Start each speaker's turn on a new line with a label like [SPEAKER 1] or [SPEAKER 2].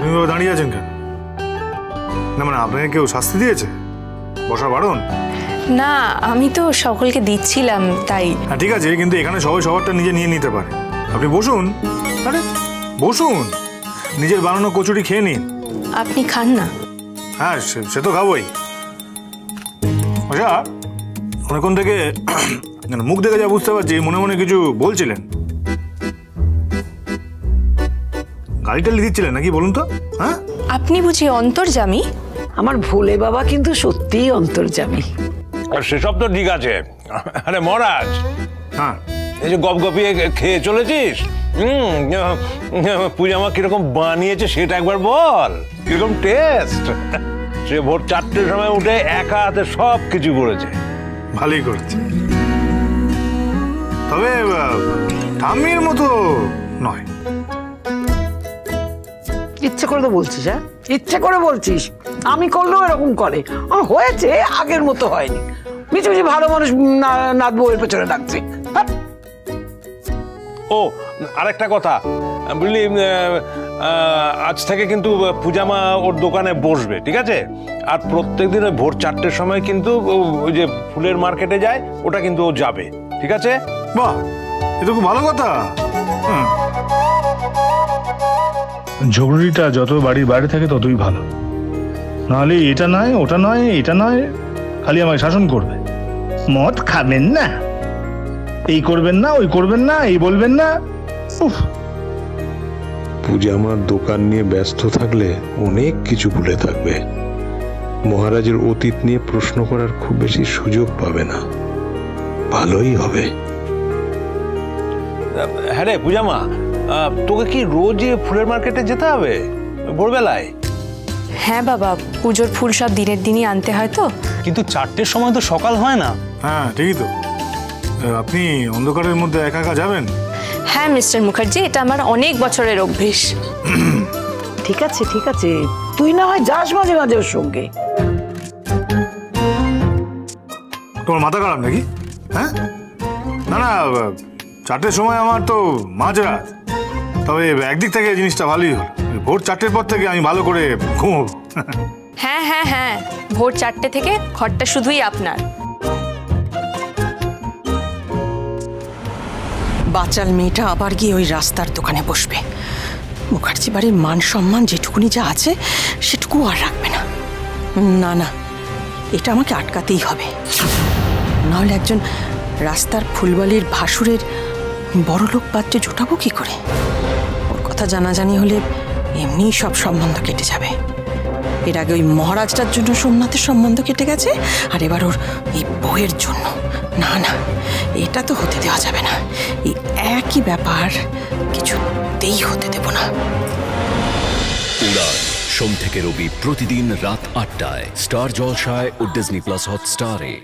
[SPEAKER 1] আপনি এভাবে দাঁড়িয়ে আছেন কেন? না মানে আপনাকে কেউ শাস্তি দিয়েছে? বসা বারণ?
[SPEAKER 2] না, আমি তো সকলকে দিচ্ছিলাম তাই।
[SPEAKER 1] হ্যাঁ ঠিক আছে, কিন্তু এখানে সবাই সবারটা নিজে নিয়ে নিতে পারে। আপনি বসুন। আরে বসুন, নিজের বানানো কচুরি খেয়ে নিন।
[SPEAKER 2] আপনি খান না।
[SPEAKER 1] হ্যাঁ সে তো খাবোই। আচ্ছা, অনেকক্ষণ থেকে মুখ দেখে যা বুঝতে পারছি মনে মনে কিছু বলছিলেন। গাড়িটা লিখছিলেন নাকি বলুন তো? হ্যাঁ,
[SPEAKER 2] আপনি বুঝি অন্তর্যামী?
[SPEAKER 3] আমার ভোলে বাবা কিন্তু সত্যিই অন্তর্যামী।
[SPEAKER 4] আর সেসব তো ঠিক আছে। আরে মহারাজ,
[SPEAKER 1] হ্যাঁ
[SPEAKER 4] এই যে গপগপিয়ে খেয়ে চলেছিস, পূজা মা কিরকম বানিয়েছে সেটা একবার বল। কিরকম টেস্ট। সে ভোর 4টের সময় উঠে একা হাতে সব কিছু করেছে।
[SPEAKER 1] ভালোই করেছে, তবে ঠাম্মির মতো নয়।
[SPEAKER 3] ইচ্ছে করে তো বলছিস, হ্যাঁ ইচ্ছে করে বলছিস। আমি করলেও এরকম করে। হয়েছে, আগের মতো হয়নি। মিছি মিছি ভালো মানুষ নাথ বউয়ের পেছনে ডাকছে।
[SPEAKER 4] ও আরেকটা কথা, বুঝলি, আজ থেকে কিন্তু পূজা মা ওর দোকানে বসবে, ঠিক আছে? আর প্রত্যেকদিন ওই ভোর 4টের সময় কিন্তু ওই যে ফুলের মার্কেটে যায়, ওটা কিন্তু ও যাবে, ঠিক আছে?
[SPEAKER 1] বাহ, এটা খুব ভালো কথা। ঝগড়িটা যত বাড়ির বাইরে থাকে ততই ভালো, নাহলে এটা নয় ওটা নয় এটা নয়, খালি আমায় শাসন করবে। মদ খাবেন না, এই করবেন না, ওই করবেন না, এই বলবেন না। উফ,
[SPEAKER 5] পূজা আমার দোকান নিয়ে ব্যস্ত থাকলে অনেক কিছু ভুলে থাকবে। মহারাজের অতীত নিয়ে প্রশ্ন করার খুব বেশি সুযোগ পাবে না। ভালোই হবে।
[SPEAKER 4] হ্যাঁ রে পূজা মা, তোকে কি রোজ ফুলের মার্কেটে যেতে হবে ভোরবেলায়?
[SPEAKER 2] হ্যাঁ বাবা, পুজোর ফুল সব দিনের দিনই আনতে হয় তো।
[SPEAKER 6] কিন্তু 4টের সময় তো সকাল হয় না।
[SPEAKER 1] হ্যাঁ ঠিকই তো। আপনি অন্ধকারের মধ্যে একা একা যাবেন?
[SPEAKER 2] হ্যাঁ মিস্টার মুখার্জি, এটা আমার অনেক বছরের অভ্যেস।
[SPEAKER 3] ঠিক আছে ঠিক আছে, তুই না হয় যাস মাঝে মাঝে ওর সঙ্গে।
[SPEAKER 1] তোমার মাথা খারাপ নাকি? হ্যাঁ, না না, 4টের সময় আমার তো মাঝরাত। তবে একদিক থেকে জিনিসটা ভালোই হলো, ভোর 4টের পর থেকে আমি ভালো করে ঘুমোবো।
[SPEAKER 2] হ্যাঁ হ্যাঁ হ্যাঁ, ভোর 4টে থেকে ঘরটা শুধুই আপনার।
[SPEAKER 7] বাচাল মেয়েটা আবার গিয়ে ওই রাস্তার দোকানে বসবে। মুখার্জি বাড়ির মান সম্মান যেটুকুনি যা আছে সেটুকু আর রাখবে না। না না, এটা আমাকে আটকাতেই হবে, নাহলে একজন রাস্তার ফুলবালির ভাসুরের বড়লোক পাত্রে জোটাবো কি করে? ওর কথা জানাজানি হলে এমনিই সব সম্বন্ধ কেটে যাবে। এর আগে ওই মহারাজটার জন্য সোমনাথের সম্বন্ধ কেটে গেছে, আর এবার ওর এই বউয়ের জন্য। না না, এটা তো হতে দেওয়া যাবে না। এই একই ব্যাপার কিছুতেই হতে দেব না।
[SPEAKER 8] উড়ান সোম থেকে রবি প্রতিদিন রাত 8টায় স্টার জলসায় ও ডিজনি প্লাস হটস্টারে।